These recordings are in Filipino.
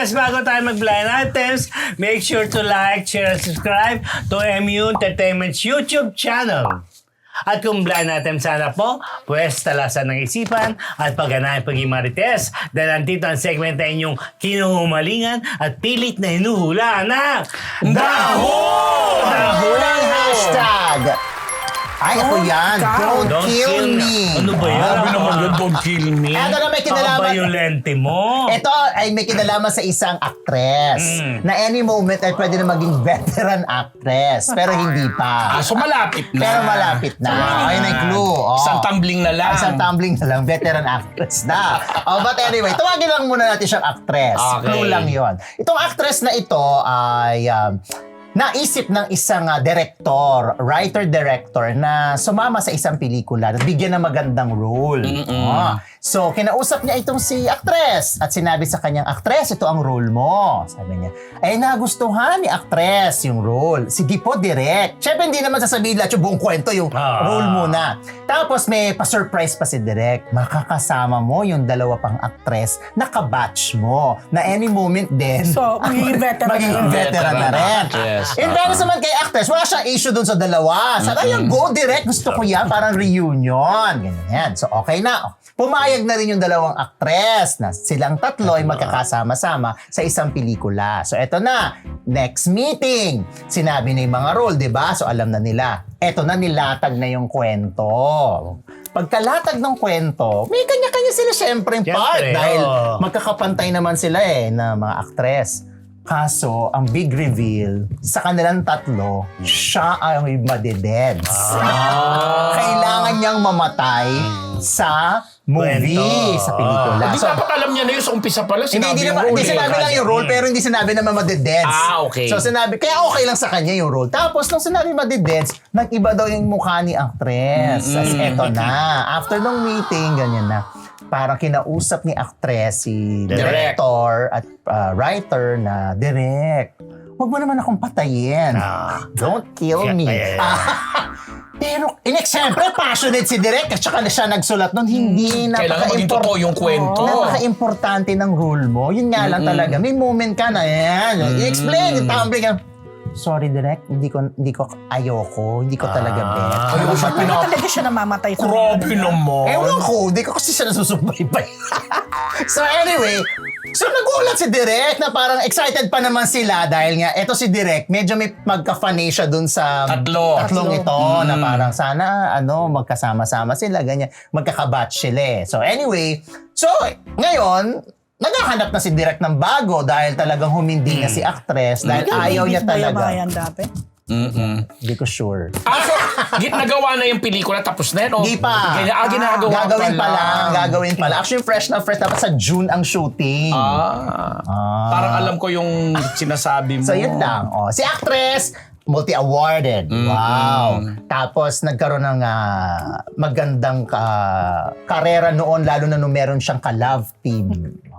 Marites, bago tayo mag-blind items, make sure to like, share, and subscribe to MU Entertainment's YouTube channel. At kung blind item sana po, pwes talasan ng isipan at pagganahin paging Marites dahil nandito ang segment na inyong kinuhumalingan at pilit na hinuhula na Daho! Dahulang hashtag! Ay, ako yan. Don't kill me. Ano ba yan? Sabi naman yun, don't kill me. Ito na may kinalaman. Paka-violente mo. Ito ay may kinalaman sa isang actress na any moment ay pwede na maging veteran actress. Pero hindi pa. So malapit na. Pero malapit na. Ayun ang clue. Oh. Isang tumbling na lang. Isang tumbling na lang. Veteran actress na. But anyway, tawagin lang muna natin siyang actress. Okay. Clue lang yon. Itong actress na ito ay naisip ng isang director, writer-director na sumama sa isang pelikula at bigyan ng magandang role. So, kinausap niya itong si actress at sinabi sa kanyang, actress, ito ang role mo. Sabi niya, ay nagustuhan ni actress yung role. Sige po, direct. Siyempre, hindi naman sasabihin lahat yung buong kwento, yung role muna. Tapos, may pa-surprise pa si direct. Makakasama mo yung dalawa pang actress na kabatch mo na any moment din. So, magiging veteran. Magiging veteran na rin. Yes. In fairness naman kay actress, wala siyang issue dun sa dalawa. Sabi, ayun, go direct. Gusto ko yan. Parang reunion. Ganyan. So, okay na. Pumayag na rin yung dalawang actress na silang tatlo ay magkakasama-sama sa isang pelikula. So, eto na. Next meeting. Sinabi na yung mga role, di ba? So, alam na nila. Eto na, nilatag na yung kwento. Pagkalatag ng kwento, may kanya-kanya sila syempre yung part. Dahil magkakapantay naman sila na mga actress. Kaso, ang big reveal, sa kanilang tatlo, siya ay madededs. Kailangan niyang mamatay sa movie, sa pelikula. Hindi dapat alam niya na yun sa umpisa pala. Hindi sinabi lang yung role, pero hindi sinabi na madededs. Okay. So sinabi, kaya okay lang sa kanya yung role. Tapos nung sinabi madededs, nag-iba daw yung mukha ni actress. As eto na. After nung meeting, ganyan na. Parang kinausap ni actress si director at writer na, direct, huwag mo naman akong patayin. Don't kill me. Pero, siyempre, passionate si direct at saka na siya nagsulat nun, hindi kailangan maging totoo yung kwento. Napaka-importante ng role mo. Yun nga lang talaga. May moment ka na, i-explain, tumbling ka. Sorry, direct, hindi ko ayoko, hindi ko talaga bet. Ayoko siya Talaga siya namamatay sa Grabe naman. Ewan ko, hindi ko kasi siya nasusubaybay. So anyway, so nagulat si Direk na parang excited pa naman sila dahil nga, eto si Direk, medyo may magka-funny siya dun sa tatlong ito na parang sana magkasama-sama sila, ganyan, magkakabatch sila. So anyway, so ngayon, naghahanap na si Direk ng bago dahil talagang humindi na si actress dahil ayaw niya talaga. Yan dati. Hindi ko sure. So, nagawa na yung pelikula tapos na yun? Hindi pa. Ginagawa Gagawin pa lang. Actually, fresh na fresh. Dapat sa June ang shooting. Parang alam ko yung sinasabi mo. So, yun lang. Si actress, multi-awarded. Wow. Tapos, nagkaroon ng magandang karera noon, lalo na nung meron siyang ka-love team.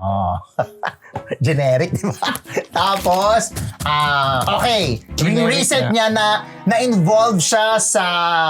Generic, di ba? Tapos, okay. Yung recent niya na-involve siya sa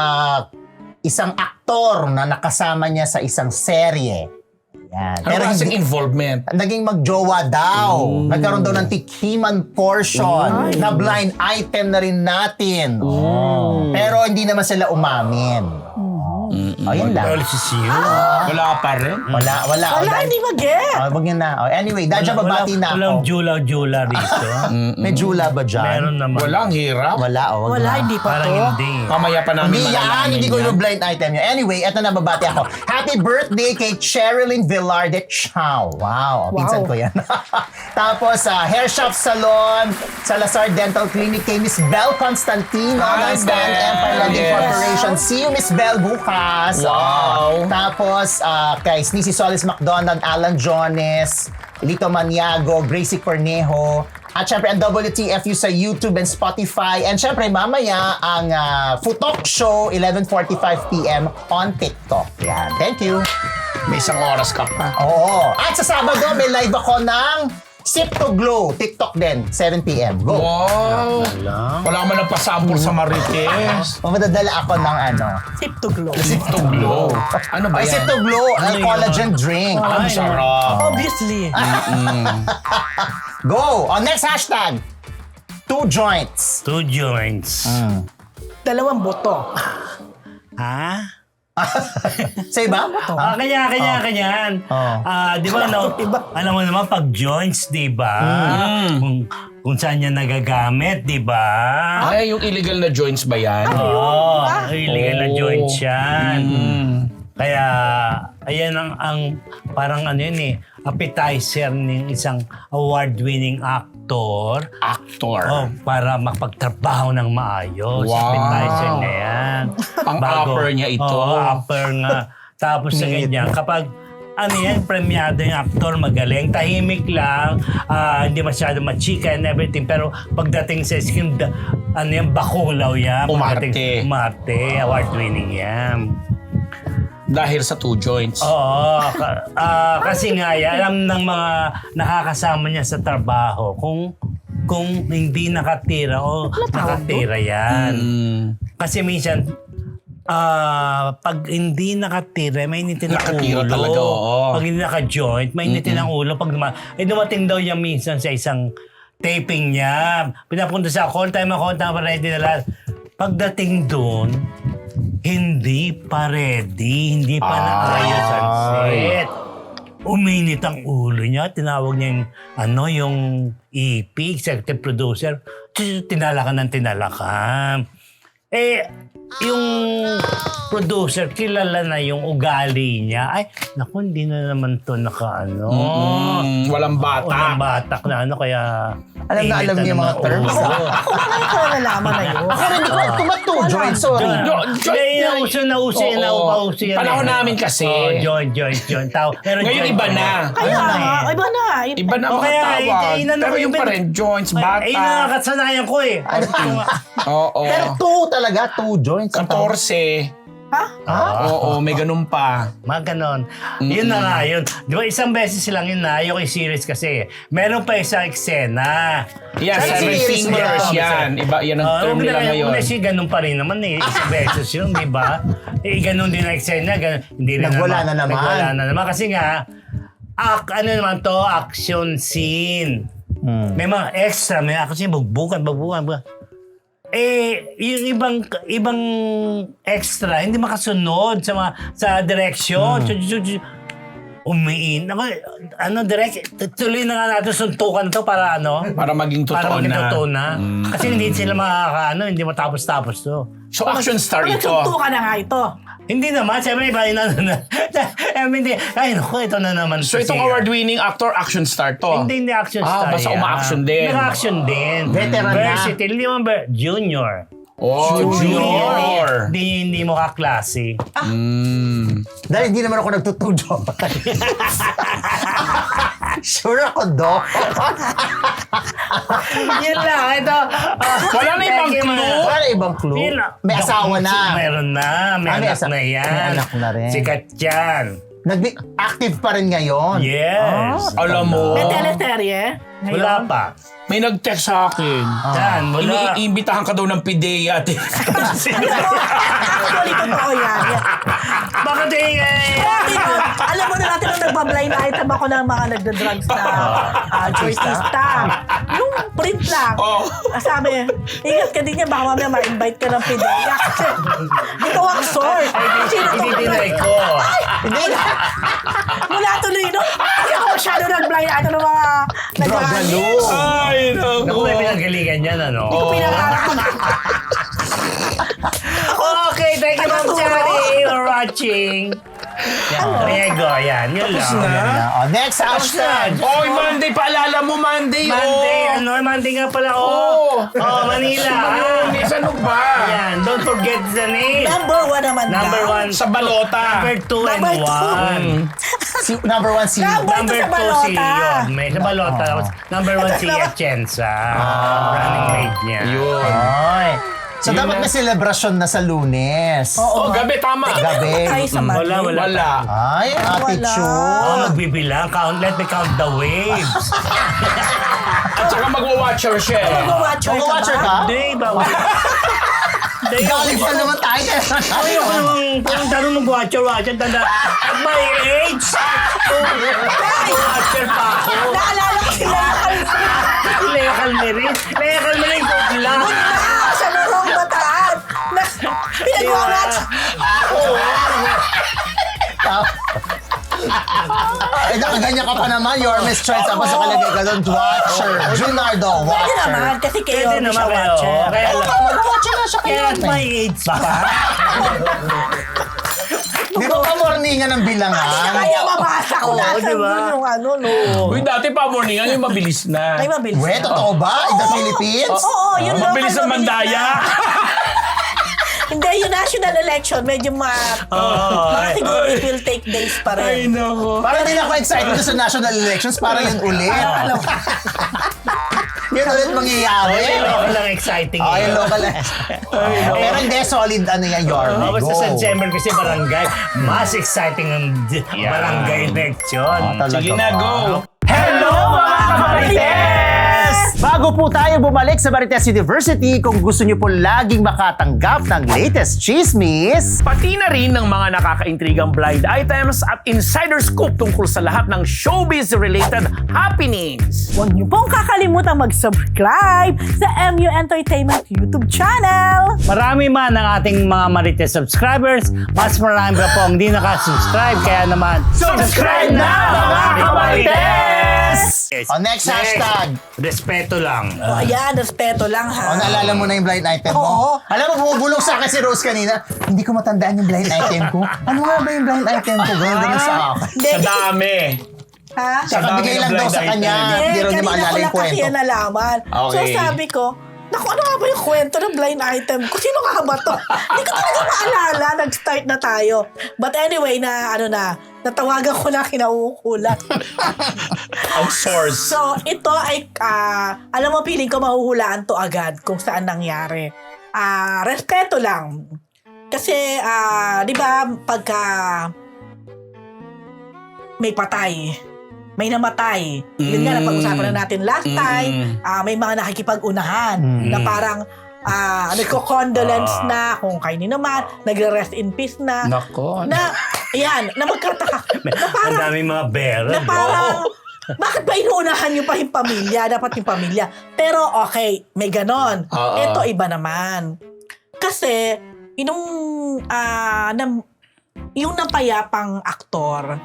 isang aktor na nakasama niya sa isang serye. Yan. Pero kasing involvement. Naging magjowa daw. Nagkaroon daw ng tikhiman portion na blind item na rin natin. Pero hindi naman sila umamin. Yun lang. Wala pa rin. Wala, hindi mag-get. Wag yun na. Anyway, dahil dyan babati na Walang ako. jula rito. May jula ba dyan? Meron naman. Walang hirap. Wala, Wala, hindi pa Parang to. hindi. Mamaya pa namin Hindi yan, malalaman hindi ko yan. yung blind item yun. Anyway, eto na babati ako. Happy birthday kay Cherilyn Velarde Chow. Wow, pinsan ko yan. Tapos, Hair Shop Salon, Salazar Dental Clinic kay Miss Belle Constantino ng Hi, Stand Belle. Empire Landing Yes. Corporation. See you, Miss Belle, bukas. Wow. Tapos, kay Sneezy Solis McDonald, Alan Jones, Lito Maniago, Gracie Cornejo, at syempre ang WTFU sa YouTube and Spotify. And syempre mamaya ang Futok Show, 11:45 p.m. on TikTok. Yan. Thank you. May isang oras ka pa. Oo. At sa Sabado, may live ako ng Sip to Glow, TikTok din, 7 p.m. Go. Wow! Wala man nagpasample sa Marites. Madadala ako ng ano. Sip to glow. Sip to glow. Ano ba Ay, yan? Sip to Glow, collagen drink. Ang sarap. Obviously. Go! On next hashtag. 2 joints. 2 joints. Dalawang boto. Ha? Sa iba? Kanya-kanyan. Oh. Di ba, alam mo naman, pag joints, di ba? Kung saan yan nagagamit, di ba? Ay, yung illegal na joints ba yan? Oo, illegal na Oh. joints yan. Kaya, ayan ang parang ano yun appetizer ng isang award-winning actor. Actor. Para makapagtrabaho ng maayos. Wow. Appetizer na yan. Pang-upper niya ito. Oo, upper nga. Tapos sa ganyan, kapag ano yan, premiado yung actor, magaling, tahimik lang, hindi masyado machika and everything. Pero pagdating sa skin, ano yan, bakulaw yan. Umarte. Umarte, award-winning yan. Dahil sa 2 joints. Oo, kasi nga yan, alam ng mga nakakasama niya sa trabaho kung hindi nakatira o nakatira yan. Kasi minsan, pag hindi nakatira, may initin ang Nakatira ulo. talaga, oo. Pag hindi naka-joint, may initin ang ulo. Pag dumating daw niya minsan sa isang taping niya. Pinapunta sa call time pa ready na lahat. Pagdating doon, hindi pa ready, hindi pa naayos ang set. Uminit ang ulo niya, tinawag niya yung EP, executive producer, tinalakan. Yung producer, kilala na yung ugali niya. Ay, naku, hindi na naman to nakaano. Walang batak. Walang batak na kaya... Alam na alam niya yung mga terms. Ako ba ngayon ko nalaman na yun? Ako rin, kung 2 joints, sorry. Nauso yan. Panahon namin kasi. Joint. Pero Ngayon joint iba na. Kaya nga, iba na. Iba na O mga kaya, tawag. inano Pero ko yung yung pa rin, joints, Ay, bata. nakakasanayan ko eh. Oo. Pero 2 talaga, 2 joints. 14. Ha? Oo, may ganun pa. Mga ganon. Yun na nga yun. Di ba isang beses lang yun na yung series kasi. Meron pa isang eksena. Yan, Sa 7 series mo fingers na. yan. Iba, yan ang term nila ngayon. Kasi ganun pa rin naman isang beses yun, di ba? Ganun din ang eksena. Hindi rin Nagwala na naman. Nagwala na naman. Kasi nga, ano naman to, action scene. May mga extra, may action scene, bugbukan. Yung ibang extra, hindi makasunod sa direksyon. Umiin. Direct, tuloy na nga natin suntukan to para Para maging totoo na. Kasi hindi sila hindi matapos-tapos to. So, action star Pag ito. nagsunto ka na nga ito. Hindi naman, siyempre iba hindi. Ay, naku, ito na naman. So, itong award-winning actor, action star to. Hindi action star. Basta yan. uma-action din. Naka-action din. Veteran na. Versatile. Hindi mo junior. Oh, junior. Hindi mo kaklase. Dahil hindi naman ako nagtutujo. Sure ako, Doc. Yun lang. Ito. Wala na ibang clue? Wala ibang clue. May asawa na. Meron na. May may anak na yan. may anak na rin. Sikat yan. Active pa rin ngayon. Yes. Alam mo, May teleserye. Wala pa. may nag-text sa akin. Yan, wala. Iniimbitahan ka daw ng PIDEA. Actually, totoo yan. Bakit Alam mo na natin nung nagpa-blind item ako ng mga nagda-drugs na jointista. Yung print lang. Oh. Sabi, ingat ka din niya, baka mamaya ma-invite ka ng PIDEA. Kasi, ito ang source. Hindi dinay ko. Mula tuloy, no? Kasi ako masyado nag-blind item ng mga nag-ano. Ay, no. Naku, may pinagalingan yan, ano? Hindi ko pinangarap. Okay, thank you, Ma'am Chari, for watching. Yan, Riego, yan. Yun lang. Next hashtag. Oy, Monday, paalala mo, Monday. Monday nga pala, Manila. Lunes, ano ba? Yan, don't forget the name. Number 1 naman Number daw. 1. Sa balota. Number 2 and Number two. 1. Number 1 si... Number Number 2 sa si balota. Yorme. Sa balota. Number 1 si Atienza. Running mate niya. Yun. Oy. So, dapat may celebration na sa Lunes. Oh, gabi, tama. Gabi. Tayo sa Monday. Wala. Wala. Ay, attitude. Magbibilang. Let me count the waves. At saka magwa-watcher siya. Mag-watcher ka Mag-watcher ba? ka? Hindi ba? Galing pa naman tayo. Ayoko namang tanong mag-watcher. Tanda. At my age, watcher pa ako. Naalala ko sila. Lea Calmerin. Lea Calmerin ko lang. Sa Morong Bataan. Pinag-watch. Nakaganyan ka pa naman. You're Miss Choice. Tapos nakalagay ka doon. Watcher. Junardo, Pwede watcher. naman, kasi kayo Pwede siya naman watcher. Kaya lang. Mag-watcher na siya Kaya kayo. at my age pa. Di ba pa morningan ng bilangan? Kaya mabasa ko Oo, nasa diba? yung ano, no. Uy, dati pa morningan yung mabilis na. Ay, mabilis. Wait, totoo ba? In the Philippines? Oo, yun lang. Mabilis ang mandaya. Hindi, yung national election, medyo mga siguro it will take days pa rin. nako. Parang din ako excited sa national elections. Parang yun ulit. Yun ulit mangyayari. Ay, local lang exciting. Oh, yung local. Pero hindi, solid ano yan, Yorme. Basta Go. sa December kasi barangay, mas exciting ang barangay election. Talaga Sige na, ba? go. Hello mga Kamarites! Bago po tayo bumalik sa Marites University, kung gusto niyo po laging makatanggap ng latest chismis, Pati na rin ng mga nakakaintrigang blind items at insider scoop tungkol sa lahat ng showbiz-related happenings. Huwag niyo pong kakalimutan mag-subscribe sa MU Entertainment YouTube channel. Marami man ang ating mga Marites subscribers, mas marami pa po ang hindi nakasubscribe. Kaya naman, subscribe na mga Kamarites! Yes. O, next hashtag. Respeto lang. O ayan, respeto lang ha. O, naalala mo na yung blind item mo? Oo. Alam mo, bumubulong sa akin si Rose kanina, hindi ko matandaan yung blind item ko. Ano nga ba yung blind item ko? Ganun sa akin. Hindi, Sa dami. ha? Kakabigay lang daw sa kanya. Hindi rin niya kanina maalala ko yung lang kasi kwento. yan nalaman. So Okay. sabi ko, naku, ano nga ba yung kwento ng blind item ko? Sino nga ba to? Hindi ko talaga maalala. Nag-start na tayo. But anyway, natawagan ko na kinauukulat. Ang source. So, ito ay, alam mo, feeling ko mahuhulaan to agad kung saan nangyari. Respeto lang. Kasi, di ba, pagka may patay, may namatay. Yun nga, napag-usapan na natin last time, may mga nakikipag-unahan na parang nagko-condolence na kung kayo naman, nagre-rest in peace na. Nako. Na, ayan, na magkataka. Na Ang parang, daming mga bearer. na parang, bakit ba inuunahan nyo pa yung pamilya? Dapat yung pamilya. Pero okay, may ganon. Oo. Ito iba naman. Kasi, yung napayapang aktor,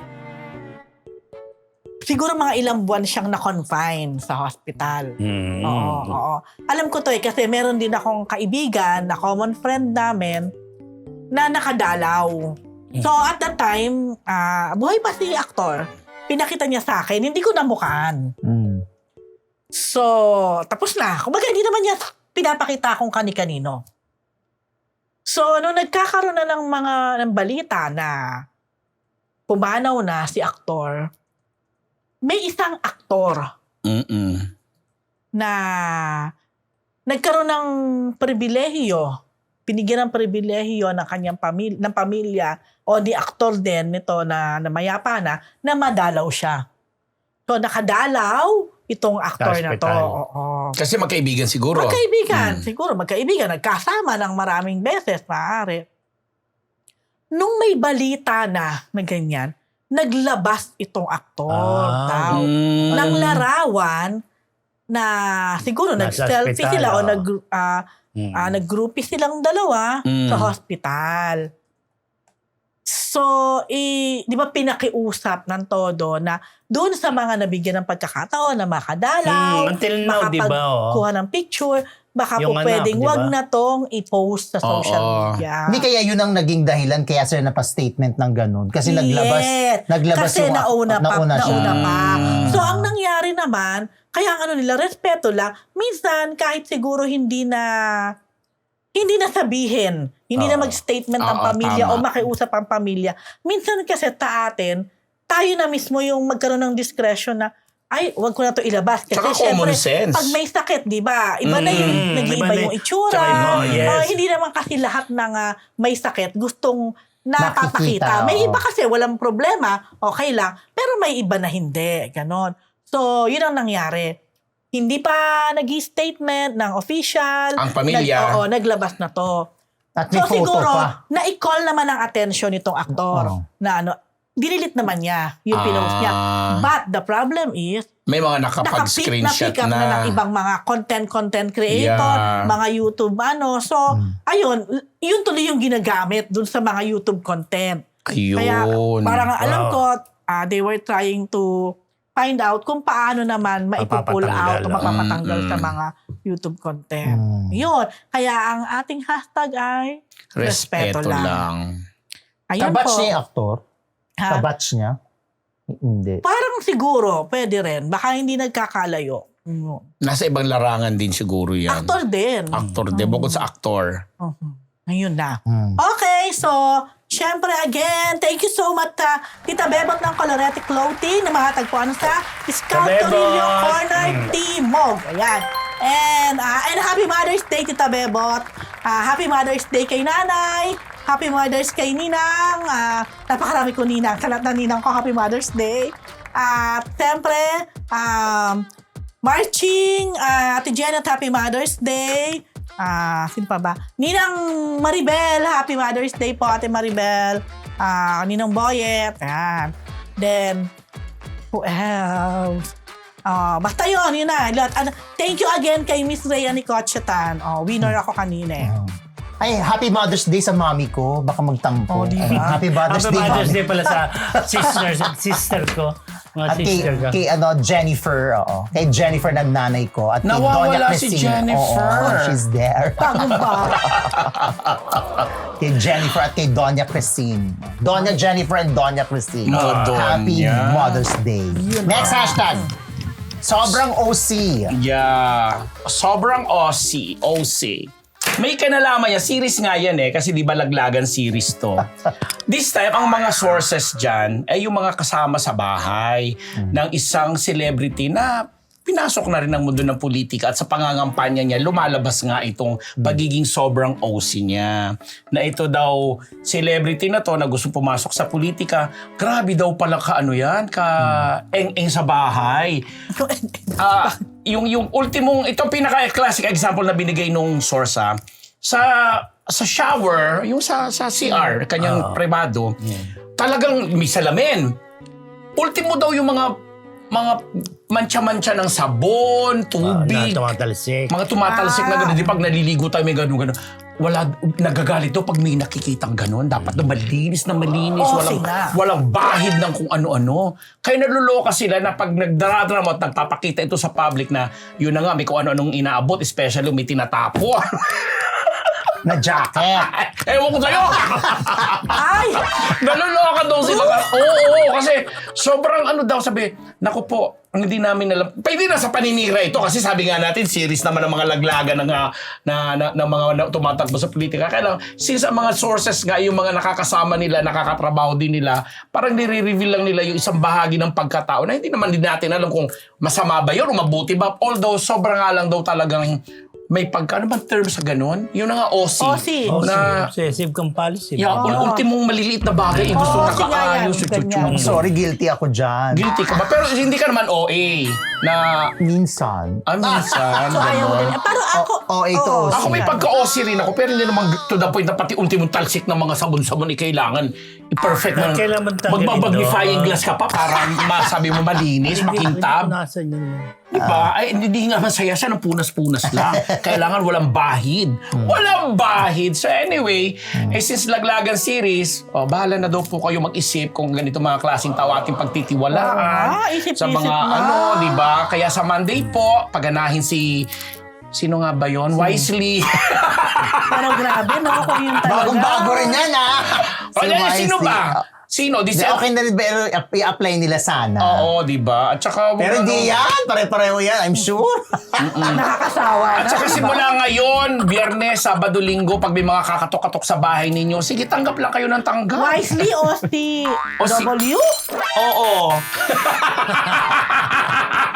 siguro mga ilang buwan siyang na-confine sa hospital. Oo. Alam ko to kasi meron din akong kaibigan na common friend namin na nakadalaw. So at that time, buhay pa si aktor. Pinakita niya sa akin, hindi ko namukhaan. So, tapos na. Kumbaga, hindi naman niya pinapakita kung kani-kanino. So, nung nagkakaroon na ng balita na pumanaw na si aktor, may isang aktor na nagkaroon ng pribilehiyo, binigyan ng pribilehiyo ng kanyang pamilya o ni aktor din nito na mayapa na madalaw siya. So nakadalaw itong aktor na to. Hospital. Oo. Kasi magkaibigan siguro. Magkaibigan, siguro magkaibigan, nagkasama ng maraming beses, maaari. Nung may balita na ganyan, naglabas itong aktor daw ng larawan na siguro Nasa nag-selfie ospital, sila o oh. nag-groupie silang dalawa sa hospital. So, di ba pinakiusap ng todo na doon sa mga nabigyan ng pagkakataon na makadalaw, until now, di ba, makapagkuha ng picture, baka Yung po anak, pwedeng di ba? wag na tong i-post sa social media. Hindi kaya yun ang naging dahilan kaya sila napa-statement ng ganun. Kasi naglabas Kasi yung nauna siya. pa. So, ang nangyari naman, kaya ang ano nila, respeto lang, minsan kahit siguro hindi na sabihin, hindi na mag-statement ang pamilya tama. o makiusap ang pamilya. Minsan kasi tayo na mismo yung magkaroon ng discretion na ay, wag ko na to ilabas. Kasi Tsaka common syempre, sense. pag may sakit, di ba? Iba na yung, nag-iiba iba na yung yung- itsura. Tsaka yes. Hindi naman kasi lahat ng may sakit gustong napapakita. Nakikita, May oo. iba kasi walang problema, okay lang. Pero may iba na hindi. Ganon. So, yun ang nangyari. Hindi pa nag-statement ng official. Ang pamilya. Naglabas na to. At may So photo siguro, pa. na-call naman ang attention nitong aktor Oo. na dinilit naman niya yung pinost niya. But the problem is, May mga nakapag-screenshot na-pick up na ng ibang mga content creator, Yeah. mga YouTube So, ayun, yun tuloy yung ginagamit dun sa mga YouTube content. Ayun. Kaya parang alam Wow. ko, they were trying to find out kung paano naman maipupull out o Mapapatanggal. mapapatanggal sa mga YouTube content. Yun. Kaya ang ating hashtag ay Respeto lang. Ayun Kabatch po. niya yung aktor? Ha? Kabatch niya? Hindi. Parang siguro, pwede rin. Baka hindi nagkakalayo. Nasa ibang larangan din siguro yan. Actor din. Actor din. Bukod sa actor. Ayun na. Hmm. Okay, so, syempre again, thank you so much, Tita Bebot ng Colorete Clothing na matatagpuan sa Scout Bebot! Torillo Corner, Timog. Ayan. And happy Mother's Day, Tita Bebot. Happy Mother's Day kay Nanay. Happy Mother's kay Ninang. Napakarami ko Ninang. Sa lahat ng Ninang ko, Happy Mother's Day. At syempre, Marching, Ate Janet, Happy Mother's Day. Sino pa ba? Ninang Maribel, Happy Mother's Day po, Ate Maribel. Ninang Boyet. Ayan. Then, who else? Basta yun na. Thank you again kay Miss Rhea Nicochetan. Winner ako kanina eh. Ay, Happy Mother's Day sa mami ko. Baka magtampo. di ba? Happy Mother's Happy Day, Mother's mami. Day pala sa sister ko. Mga At sister ko. kay Jennifer, oo. Kay Jennifer na nanay ko. At kay Nawawala Doña si Cristina. Jennifer. Oo, she's there. Bagong ba? Kay Jennifer at kay Doña Christine. Doña Jennifer and Doña Christine. Oh, Doña. Happy Mother's Day. Next hashtag. Sobrang OC. Yeah. Sobrang OC. May kanalaman niya. Series nga yan kasi di ba laglagan series to. This time, ang mga sources dyan ay yung mga kasama sa bahay ng isang celebrity na pinasok na rin ang mundo ng politika at sa pangangampanya niya, lumalabas nga itong pagiging sobrang OC niya. Na ito daw, celebrity na to na gusto pumasok sa politika, grabe daw pala eng-eng sa bahay. Yung ultimong, itong pinaka-classic example na binigay nung source sa shower, yung sa CR, kanyang privado, talagang may salamin. Ultimo daw yung mga mancha-mancha ng sabon, tubig, Na tumatalsik. mga tumatalsik na gano'n. Di pag naliligo tayo, may gano'n. Wala, nagagalit daw pag may nakikitang gano'n. Dapat na malinis. Walang bahid ng kung ano-ano. Kaya naluloka sila na pag nagdaradrama at nagpapakita ito sa public na yun na nga, may kung ano-anong inaabot, especially may tinatapo. Na jacket. Ewan ko sa'yo! Ay! Naluloka daw sila. Oo, kasi sobrang daw sabi, naku po, hindi namin alam. Pwede na sa paninira ito kasi sabi nga natin, series naman ng mga laglagan ng mga tumatakbo sa politika. Kaya lang, since ang mga sources nga, yung mga nakakasama nila, nakakatrabaho din nila, parang nire-reveal lang nila yung isang bahagi ng pagkatao na hindi naman din natin alam kung masama ba yun o mabuti ba. Although, sobrang nga lang daw talagang may ano bang term sa ganun? Yun na nga, OC. OC. Na, Obsessive compulsive. ultimong maliliit na bagay, gusto Oo, nakaayos, sige, yan, chuchu. Sorry, guilty ako dyan. Guilty ka ba? Pero hindi ka naman OA na Minsan. minsan. So, ayaw mo din. gano'n. Pero ako, ito oo, OC. Ako may pagka-OC rin ako, pero hindi naman to the point na pati ultimong talsik ng mga sabon-sabon kailangan i-perfect mo. Kailangan tanggalin Magbabagifying doon. glass ka pa para masabi mo malinis, makintab. Nasaan yun naman? Diba? Ay, hindi nga masaya siya ng punas-punas lang. Kailangan walang bahid. Walang bahid. So anyway, since laglagan series, bahala na daw po kayo mag-isip kung ganito mga klaseng tao ating pagtitiwalaan. Isip-isip Sa mga na. diba? Kaya sa Monday po, paganahin si... Sino nga ba yon? Wisely. parang grabe, no? Kung yun talaga. Bagong-bago rin yan, ha? Sino Wisely. ba? Sino? Di, okay na rin ba i-apply nila sana? Oo, di ba? At saka... Pero hindi yan. Pare-pareho yan. I'm sure. Nakakasawa. At saka simula ngayon, Biyernes, Sabado, Linggo, pag may mga kakatok-katok sa bahay ninyo, sige, tanggap lang kayo ng tanggap. Wisely o si O si- W? Oo.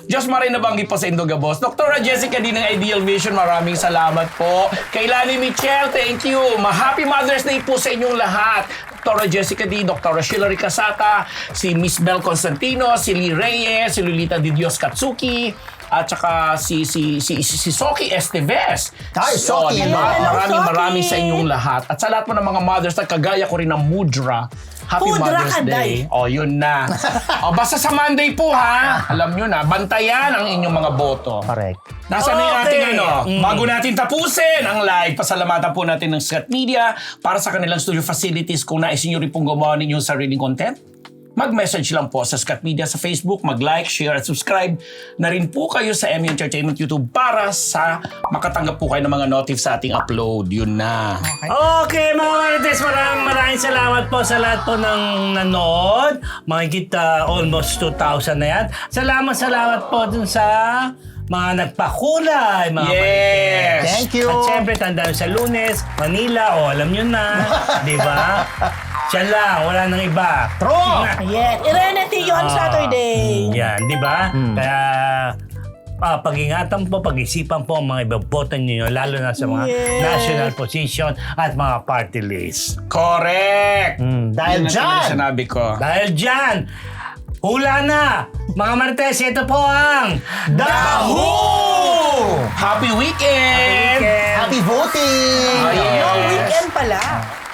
Diyos Maray nabanggit po sa Indogabos. Dr. Jessica din ng Ideal Vision, maraming salamat po. Kay Lani Michelle, thank you. Happy Mother's Day po sa inyong lahat. Dr. Jessica D, Dr. Shilary Casata, si Miss Bel Constantino, si Lee Reyes, si Lolita Di Dios Katsuki, at saka si Soki Esteves. Ay, Soki. Diba? Hello, Maraming Soki. sa inyong lahat. At sa lahat po ng mga mothers na kagaya ko rin ng Mudra, Happy Mudra Mother's Kanday. Day. O, yun na. O, basta sa Monday po ha. Alam nyo na, bantayan ang inyong mga boto. Correct. Nasaan na yung Okay. ating bago natin tapusin ang live, pasalamatan po natin ng Scat Media para sa kanilang studio facilities. Kung nais nyo rin pong gumawa ninyong sariling content, mag-message lang po sa Scat Media sa Facebook, mag-like, share at subscribe na rin po kayo sa MU Entertainment YouTube para sa makatanggap po kayo ng mga notif sa ating upload. Yun na. Okay, mga Marites, maraming salamat po sa lahat po ng nanood. Mahigit almost 2,000 na yan. Salamat po dun sa mga nagpakulay, mga Yes! Marites. Thank you. At syempre, tandaan sa Lunes, Manila, alam nyo na. Di ba? Siya lang, wala nang iba. True! Yes. Irenity yun Saturday. Yan, di ba? Kaya pag-ingatan po, pag-isipan po ang mga ibabotan ninyo, lalo na sa mga Yes. national position at mga party list. Correct! Dahil Yun ang dyan, sinabi ko. Dahil dyan, hula na! Mga Marites, ito po ang Dahu! Happy weekend! Weekend! happy voting! Ayan. No weekend pala.